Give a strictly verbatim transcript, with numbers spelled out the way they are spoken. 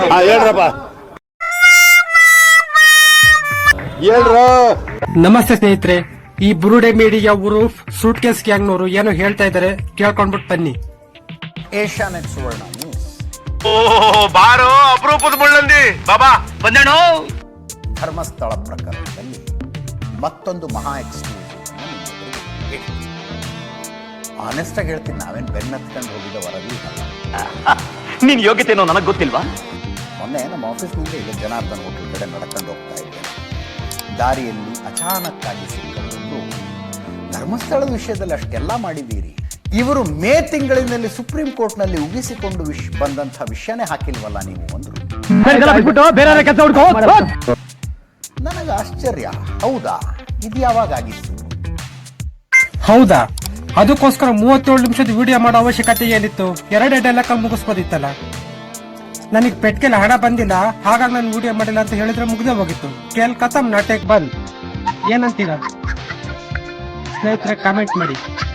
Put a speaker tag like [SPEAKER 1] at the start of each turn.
[SPEAKER 1] ಹೇಳ್ರಪ್ಪ ಹೇಳ್ರ.
[SPEAKER 2] ನಮಸ್ತೆ ಸ್ನೇಹಿತರೆ, ಈ ಬುರುಡೆ ಮೀಡಿಯಾ ಊರು ಸೂಟ್ ಕೇಸ್ ಗ್ಯಾಂಗ್ನವರು ಏನೋ ಹೇಳ್ತಾ ಇದಾರೆ, ಕೇಳ್ಕೊಂಡ್ಬಿಟ್ಟು ಬನ್ನಿ.
[SPEAKER 3] ಏಷ್ಯಾನೆಟ್ ಸುವರ್ಣ ನ್ಯೂಸ್.
[SPEAKER 1] ಓ ಬಾರೋ ಅಪರೂಪದ ಮುಳ್ಳಂದಿ ಬಾಬಾ ಬಂದೇಣೋ.
[SPEAKER 3] ಧರ್ಮಸ್ಥಳ ಪ್ರಕರಣದಲ್ಲಿ ಮತ್ತೊಂದು ಮಹಾ ಎಕ್ಸ್ಕ್ಲೂಸಿವ್. ಆನೆಸ್ಟ್ ಆಗಿ ಹೇಳ್ತೀನಿ, ನಾವೇನ್ ಬೆನ್ನತ್ಕೊಂಡು ಹೋಗಿದ್ದ ವರದಿ ಅಲ್ಲ.
[SPEAKER 4] ನೀನ್ ಯೋಗ್ಯತೆನೋ ನನಗ್ ಗೊತ್ತಿಲ್ವಾ?
[SPEAKER 3] ಮೊನ್ನೆ ನಮ್ಮ ಆಫೀಸ್ನಿಂದ ಇಲ್ಲಿ ಜನಾರ್ದನ್ ಹೋಟೆಲ್ ಕಡೆ ನಡ್ಕೊಂಡು ಹೋಗ್ತಾ ಇದ್ದೆ. ದಾರಿಯಲ್ಲಿ ಅಚಾನಕ್ಕಾಗಿ ಸಿಕ್ಕರು. ಧರ್ಮಸ್ಥಳದ ವಿಷಯದಲ್ಲಿ ಅಷ್ಟೆಲ್ಲ ಮಾಡಿದ್ದೀರಿ, ಇವರು ಮೇ ತಿಂಗಳಿನಲ್ಲಿ ಸುಪ್ರೀಂ ಕೋರ್ಟ್ ನಲ್ಲಿ ಉಗಿಸಿಕೊಂಡು ವಿಷ್ ಬಂದಂತಹ ವಿಷಯನೇ ಹಾಕಿಲ್ವಲ್ಲ ನೀವು ಅಂದ್ರು. ನನಗೆ ಆಶ್ಚರ್ಯ, ಹೌದಾ? ಇದು ಯಾವಾಗ ಆಗಿತ್ತು?
[SPEAKER 2] ಹೌದಾ? ಅದಕ್ಕೋಸ್ಕರ ಮೂವತ್ತೇಳು ನಿಮಿಷದ ವಿಡಿಯೋ ಮಾಡೋ ಅವಶ್ಯಕತೆ ಏನಿತ್ತು? ಎರಡೇ ಡೈಲಾಗ್ ಮುಗಿಸ್ಬೋದಿತ್ತಲ್ಲ. ನನಗೆ ಪೆಟ್ಗೆಲ್ಲ ಹಣ ಬಂದಿಲ್ಲ, ಹಾಗಾಗಿ ನಾನು ವಿಡಿಯೋ ಮಾಡಿಲ್ಲ ಅಂತ ಹೇಳಿದ್ರೆ ಮುಗ್ದೇ ಹೋಗಿತ್ತು. ಕೇಳ್ ಕಥಮ್ ನಾಟಕ ಬಂದ್. ಏನಂತೀರಾ ಸ್ನೇಹಿತರೆ? ಕಾಮೆಂಟ್ ಮಾಡಿ.